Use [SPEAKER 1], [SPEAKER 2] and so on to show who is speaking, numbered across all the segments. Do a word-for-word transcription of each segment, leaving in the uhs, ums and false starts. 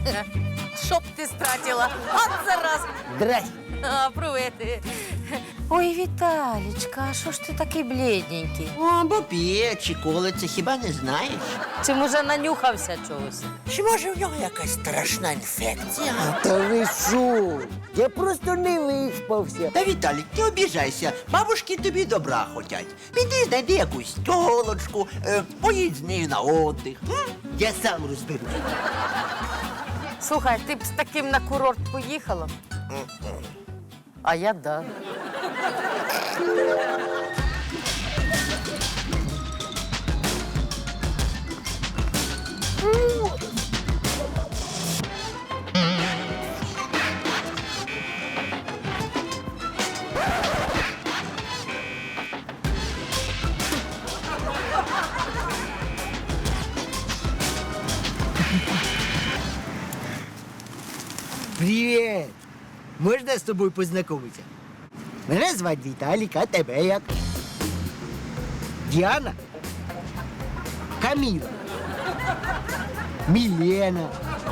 [SPEAKER 1] Щоб ти стратила. От зараз.
[SPEAKER 2] Здрасте.
[SPEAKER 1] А, привіт. Ой, Віталічка, а що ж ти такий блідненький?
[SPEAKER 2] О, бо п'є чи колиться, хіба не знаєш?
[SPEAKER 1] Чи, може, нанюхався чогось?
[SPEAKER 2] Чи може в нього якась страшна інфекція? Та ви що? Я просто не виспався. Та, Віталік, не обіжайся. Бабушки тобі добра хотять. Піди, знайди якусь тілочку, е, поїдь з нею на отдих. М? Я сам розберусь.
[SPEAKER 1] Слухай, ти б з таким на курорт поїхала? А я да.
[SPEAKER 2] Привіт! Можна з тобою познайомитися? Мене звати Віталік, а тебе як? Діана? Каміла? Мілена?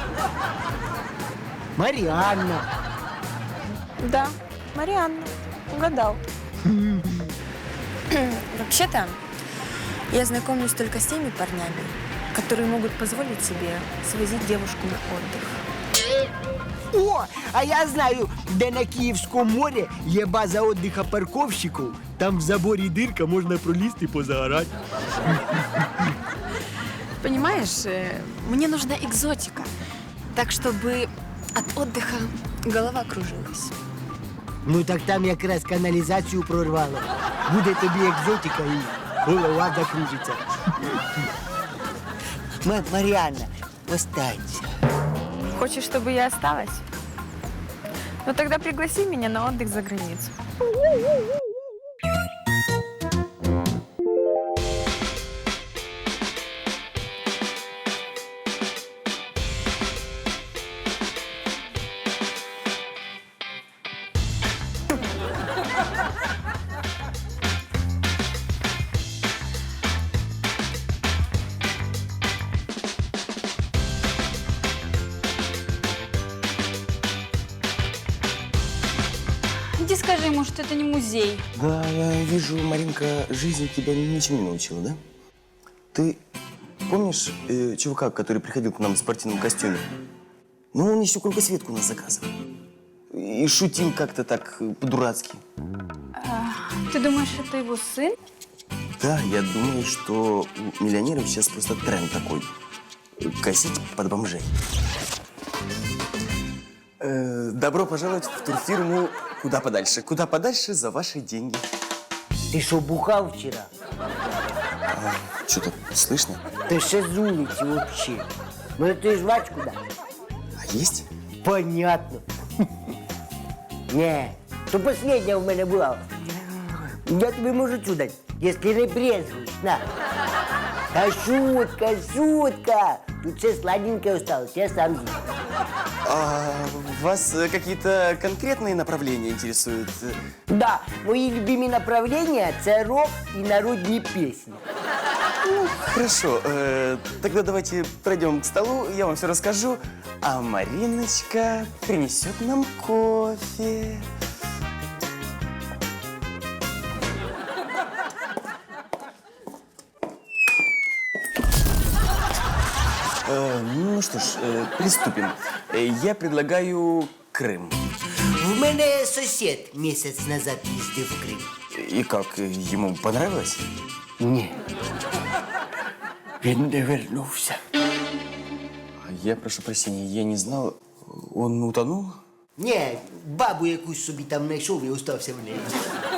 [SPEAKER 2] Маріанна?
[SPEAKER 3] Да, Марианна. Угадал. Вообще-то, я знакомлюсь только с теми парнями, которые могут позволить себе свозить девушку на отдых.
[SPEAKER 2] О, а я знаю, де на Київському морі є база відпочинку парковщиків. Там в заборі дирка, можна пролізти і позагорати.
[SPEAKER 3] Понимаешь, э, мне нужна экзотика, так чтобы от отдыха голова кружилась.
[SPEAKER 2] Ну так там якраз каналізацію прорвало. Буде тобі екзотика і голова закружиться. Ма- Маріанна, останься.
[SPEAKER 3] Хочешь, чтобы я осталась? Ну тогда пригласи меня на отдых за границу.
[SPEAKER 4] Иди скажи ему, что это не музей.
[SPEAKER 5] Да, я вижу, Маринка, жизнь тебя ничему не научила, да? Ты помнишь э, чувака, который приходил к нам в спортивном костюме? Ну, он еще кругосветку у нас заказывал. И шутил как-то так э, по-дурацки.
[SPEAKER 4] Ты думаешь, это его сын?
[SPEAKER 5] Да, я думаю, что у миллионеров сейчас просто тренд такой. э, Косить под бомжей. Э, добро пожаловать в турфирму «Куда подальше». Куда подальше за ваши деньги.
[SPEAKER 2] Ти що, бухав вчора?
[SPEAKER 5] Что-то слышно?
[SPEAKER 2] Та ще з вулиці вообще. Може, ти жвачку даш?
[SPEAKER 5] А есть?
[SPEAKER 2] Понятно. Не, то последня в мене була. Я тобі можу цю дати, якщо не брезгуєш. На. Та шутка, шутка. Тут все сладенькое осталось, я сам з'їм.
[SPEAKER 5] А вас э, какие-то конкретные направления интересуют?
[SPEAKER 2] Да, мої любимі направлення – це рок і народні пісні.
[SPEAKER 5] Хорошо, э, тогда давайте пройдем к столу, я вам все расскажу, а Мариночка принесет нам кофе. Э, ну что ж, э, приступим. Э, Я предлагаю Крым.
[SPEAKER 2] В мене сусід місяць назад їздив в Крим.
[SPEAKER 5] И как, э, ему понравилось?
[SPEAKER 2] Ні. Він не вернувся.
[SPEAKER 5] Я прошу прощения, я не знал, он утонул?
[SPEAKER 2] Ні, бабу якусь собі там знайшов і остався в неї.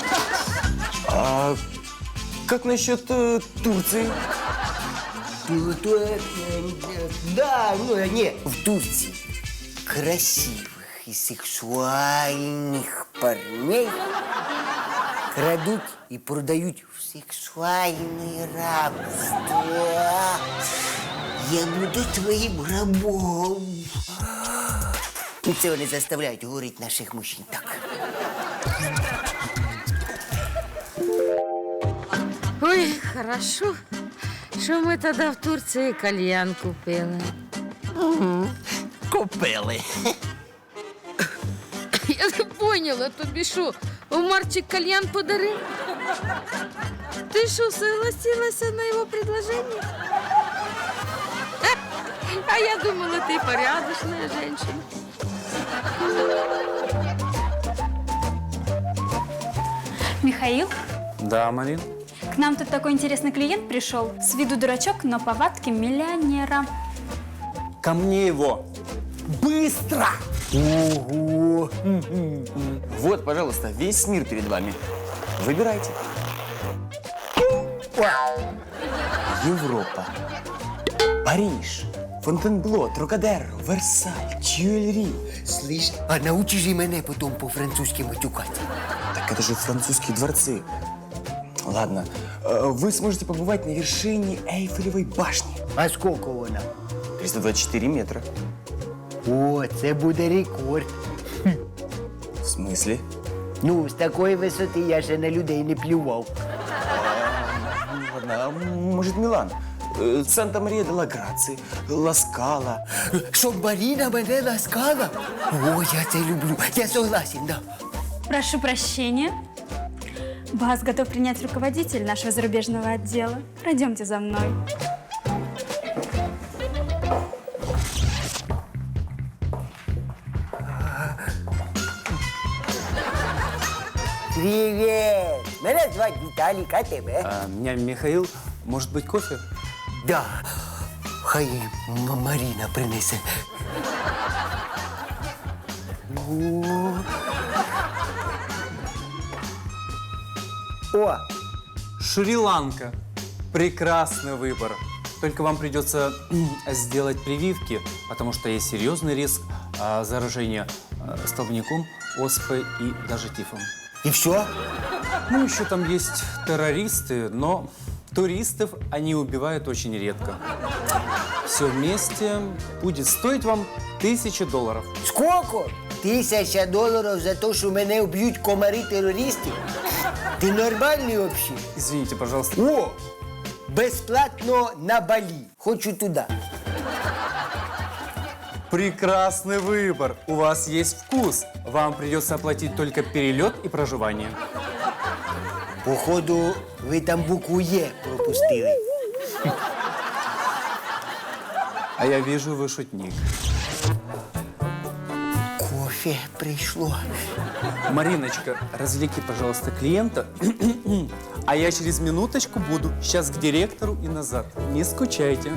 [SPEAKER 5] А как насчет э, Турции?
[SPEAKER 2] Ну, то, е, е, да, ну, е, ні, в Турції красивих і сексуальних парней крадуть і продають в сексуальне рабство. Я буду твоїм рабом. І це вони заставляють говорити наших мужчин так.
[SPEAKER 1] Ой, хорошо, що ми тоді в Турції кальян купили.
[SPEAKER 2] купили.
[SPEAKER 1] Я не поняла, тобі що, Марчик кальян подарив? Ти що, согласилася на його предложение? А я думала, ты порядочная женщина.
[SPEAKER 4] Михаил,
[SPEAKER 6] Да, Марин?
[SPEAKER 4] к нам тут такой интересный клиент пришел. С виду дурачок, но повадки миллионера.
[SPEAKER 6] Ко мне его.
[SPEAKER 2] Быстро!
[SPEAKER 5] Ого! Вот, пожалуйста, весь мир перед вами. Выбирайте. Европа, Париж, Фонтенбло, Трокадеро, Версаль, Тюильри.
[SPEAKER 2] Слышь, а научи же мене потом по-французски матюкать.
[SPEAKER 5] Так это же французские дворцы. Ладно, э, вы сможете побывать на вершине Эйфелевой башни.
[SPEAKER 2] А сколько вона?
[SPEAKER 5] триста двадцать четыре метра.
[SPEAKER 2] О, це буде рекорд.
[SPEAKER 5] В смысле?
[SPEAKER 2] Ну, з такої висоти я ще на людей не плював.
[SPEAKER 5] Ладно, а может Милан? Э, Санта-Мария-де-ла-Граци, Ла-Скала.
[SPEAKER 2] Щоб Маріна мене ласкала? О, я це люблю. Я согласен, да.
[SPEAKER 4] Прошу прощения. Вас готов принять руководитель нашего зарубежного отдела. Пройдемте за мной.
[SPEAKER 2] Привіт! Мене звати Віталік, а тебе?
[SPEAKER 6] А, меня Михаил. Может быть, кофе?
[SPEAKER 2] Да. Хай М- Маріна принесе. О. О,
[SPEAKER 6] Шри-Ланка. Прекрасный выбор. Только вам придется сделать прививки, потому что есть серьезный риск а, заражения а, столбняком, оспой и даже тифом.
[SPEAKER 2] і все?
[SPEAKER 6] Ну, еще там есть террористы, но туристов они убивают очень редко. Все вместе будет стоить вам тысячу долларов.
[SPEAKER 2] Сколько? Тисяча доларів за те, що мене вб'ють комари-терористи? Ти нормальний взагалі?
[SPEAKER 6] Извините, пожалуйста.
[SPEAKER 2] О! Безплатно на Балі. Хочу туди.
[SPEAKER 6] Прекрасный выбор. У вас есть вкус. Вам придется оплатить только перелет и проживание.
[SPEAKER 2] Походу, ви там букву Є пропустили.
[SPEAKER 6] А я вижу, вы шутник.
[SPEAKER 2] Кофе прийшло.
[SPEAKER 6] Мариночка, развлеки, пожалуйста, клиента. А я через минуточку буду. Сейчас к директору и назад. Не скучайте.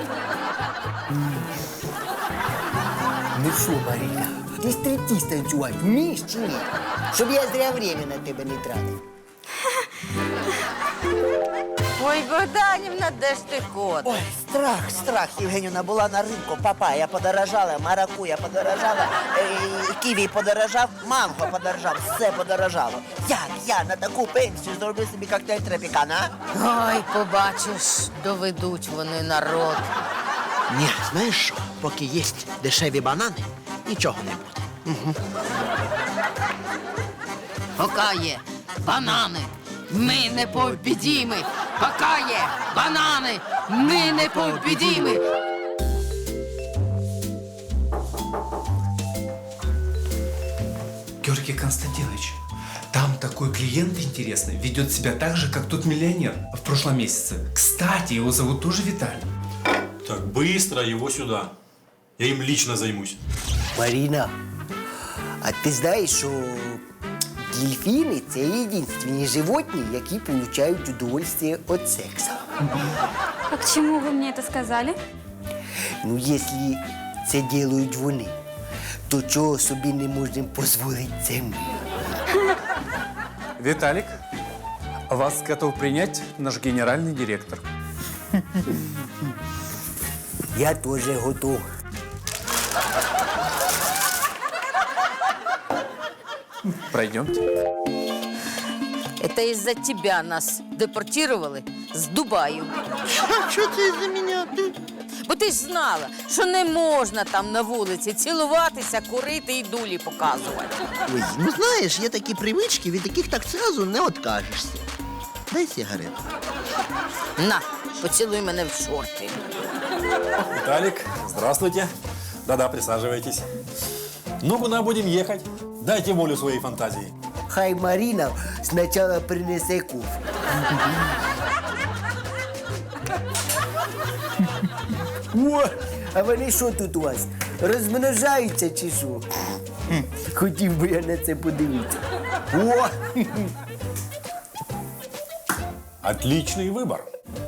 [SPEAKER 2] Ну що, Маріна, ти стриптиз танцювати вмієш чи ні? Щоб я зря время на тебе не тратив.
[SPEAKER 1] Ой, Богданівна, де ж ти ходиш?
[SPEAKER 2] Ой, страх, страх, Євгенівна, була на ринку, папая подорожала, маракуя подорожала, е, ківі подорожав, манго подорожав, все подорожало. Як я на таку пенсію зроблю собі коктейль тропікана, а?
[SPEAKER 1] Ой, побачиш, доведуть вони народ.
[SPEAKER 2] Ні, знаєш що, поки є дешеві банани, нічого не буде.
[SPEAKER 1] Пока є банани, ми не побідіми. Пока є банани, ми не побідіми.
[SPEAKER 7] Георгий Константинович, там такой клиент интересный, ведет себя так же, как тот миллионер в прошлом месяце. Кстати, его зовут тоже Виталий.
[SPEAKER 8] Так, быстро его сюда. Я им лично займусь.
[SPEAKER 2] Маріна, а ти знаєш, що дельфіни – це єдинственні животні, які отримують удовольствие від сексу.
[SPEAKER 4] А к чему вы мне это сказали?
[SPEAKER 2] Ну, якщо це роблять вони, то чого собі не можемо дозволити це ми?
[SPEAKER 6] Виталик, вас готов принять наш генеральный директор.
[SPEAKER 2] Я теж готов.
[SPEAKER 6] Пройдемте.
[SPEAKER 1] Это из-за тебя нас депортировали з Дубаю.
[SPEAKER 2] Що це за мене?
[SPEAKER 1] Бо ти ж знала, що не можна там на вулиці цілуватися, курити і дулі показувати.
[SPEAKER 2] Ой, ну знаєш, є такі привички, від яких так зразу не откажешся. Дай сигарету.
[SPEAKER 1] На, поцілуй мене в шорти.
[SPEAKER 8] Виталик, здравствуйте. Да-да, присаживайтесь. Ну, куда будем ехать? Дайте волю своей фантазии.
[SPEAKER 2] Хай Марина спочатку принесе кофе. О, а вони що тут у вас? Розмножаються чи що? Хм, хотів би я на це подивитися. О!
[SPEAKER 8] Отличный выбор.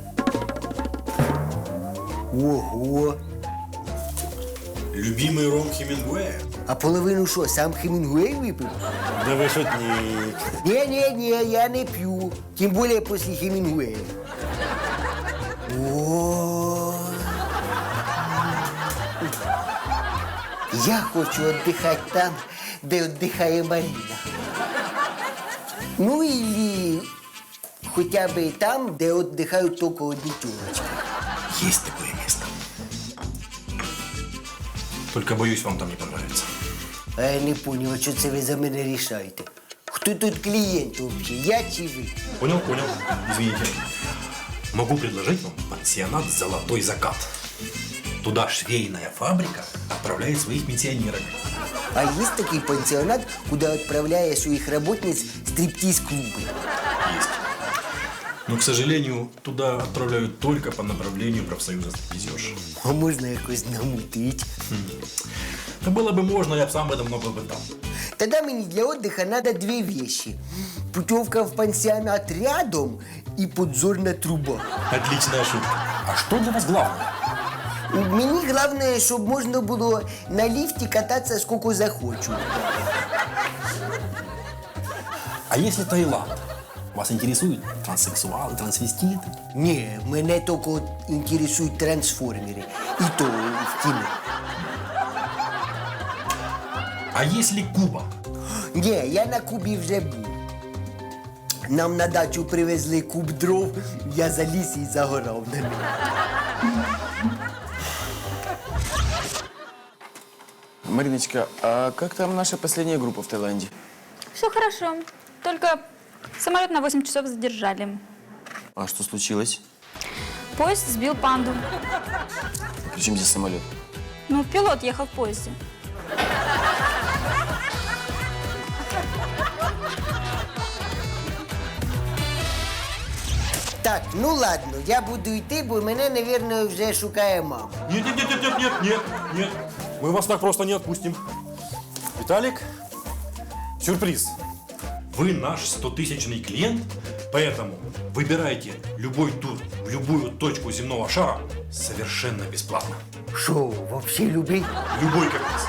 [SPEAKER 2] Ого!
[SPEAKER 8] Любимый ром Хемингуэя.
[SPEAKER 2] А половину що, сам Хемінгуей випив?
[SPEAKER 8] Да вы шутник.
[SPEAKER 2] Ні-ні-ні, я не п'ю. Тим більше після Хемінгуея. О! Я хочу віддихати там, де віддихає Марина. Ну, і хоча б там, де віддихають тільки одні тюлочки.
[SPEAKER 8] Есть такое место. Только боюсь, вам там не понравится.
[SPEAKER 2] А я не понял, а що це ви за мене рішаєте? Хто тут клієнт взагалі, я чи ви?
[SPEAKER 8] Понял, понял. Извините. Могу предложить вам пансионат «Золотой закат». Туда швейная фабрика отправляет своих пенсионерок.
[SPEAKER 2] А є такий пансіонат, куди відправляє своїх работниць стриптиз-клуби?
[SPEAKER 8] Есть. Но, к сожалению, туда отправляют только по направлению профсоюза стриптизерш.
[SPEAKER 2] А можна якось намутить?
[SPEAKER 8] Да было бы можно, я бы сам бы давно был бы там.
[SPEAKER 2] Тогда мені для отдыха надо две вещи. Путевка в пансионат рядом и подзорная труба.
[SPEAKER 8] Отличная шутка. А что для вас главное?
[SPEAKER 2] Мені головне, щоб можна було на ліфті кататися скільки захочу.
[SPEAKER 8] А если Таиланд? Вас интересуют транссексуалы, трансвеститы?
[SPEAKER 2] Ні, мене тільки інтересують трансформери. І то в кіно.
[SPEAKER 8] А если Куба?
[SPEAKER 2] Ні, я на Кубі вже був. Нам на дачу привезли куб дров, я заліз і загорав на ньому.
[SPEAKER 5] Мариночка, а как там наша последняя группа в Таиланде?
[SPEAKER 4] Все хорошо. Только самолет на восемь часов задержали.
[SPEAKER 5] А что случилось?
[SPEAKER 4] Поезд сбил панду.
[SPEAKER 5] Причем здесь самолет?
[SPEAKER 4] Ну, пилот ехал в поезде.
[SPEAKER 2] Так, ну ладно, я буду йти, бо мене, мабуть, вже шукає мама.
[SPEAKER 8] Нет, нет, нет, нет, нет, нет, нет, нет. Мы вас так просто не отпустим. Виталик, сюрприз. Вы наш стотысячный клиент, поэтому выбирайте любой тур в любую точку земного шара совершенно бесплатно.
[SPEAKER 2] Що, взагалі любий?
[SPEAKER 8] Любой каприз.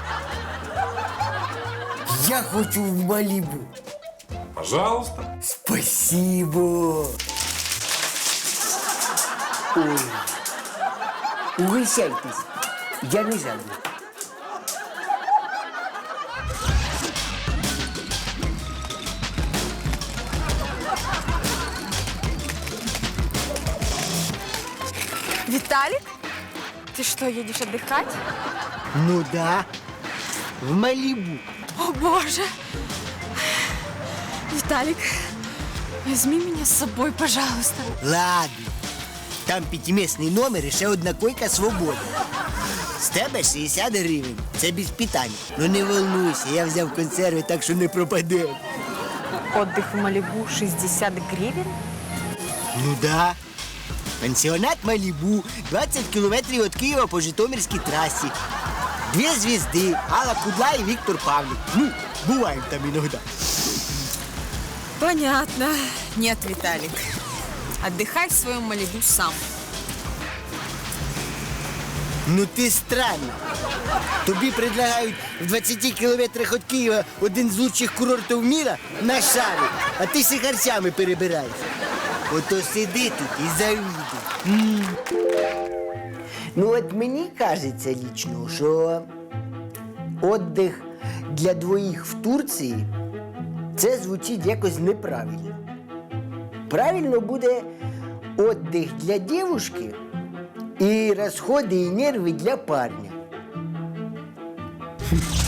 [SPEAKER 2] Я хочу в Малібу.
[SPEAKER 8] Пожалуйста.
[SPEAKER 2] Спасибо. Ой. Угощайтесь. Я не жадный.
[SPEAKER 3] Виталик? Ты что, едешь отдыхать?
[SPEAKER 2] Ну да, в Малибу.
[SPEAKER 3] О, боже! Виталик, возьми меня с собой, пожалуйста.
[SPEAKER 2] Ладно. Там п'ятимісний номер і ще одна койка свободна. З тебе шістдесят гривень. Це без питань. Ну не волнуйся, я взяв консерви, так що не пропаде.
[SPEAKER 3] Отдых в Малибу шестьдесят гривен?
[SPEAKER 2] Ну да. Пансіонат Малібу, двадцять кілометрів від Києва по Житомирській трасі. Дві звізди, Алла Кудла і Віктор Павлік. Ну, буваємо там іноді.
[SPEAKER 3] Понятно. Нет, Виталик. Отдыхай в своем Малибу сам.
[SPEAKER 2] Ну ти странно. Тобі предлагають в двадцяти кілометрах від Києва один з лучших курортів міра на шарі, а ти сихарцями перебираєш. Ото сиди тут і завідуй. Ну от мені кажеться лічно, що віддих для двоїх в Турції це звучить якось неправильно. Правильно буде віддих для дівчинки і розходи і нерви для парня.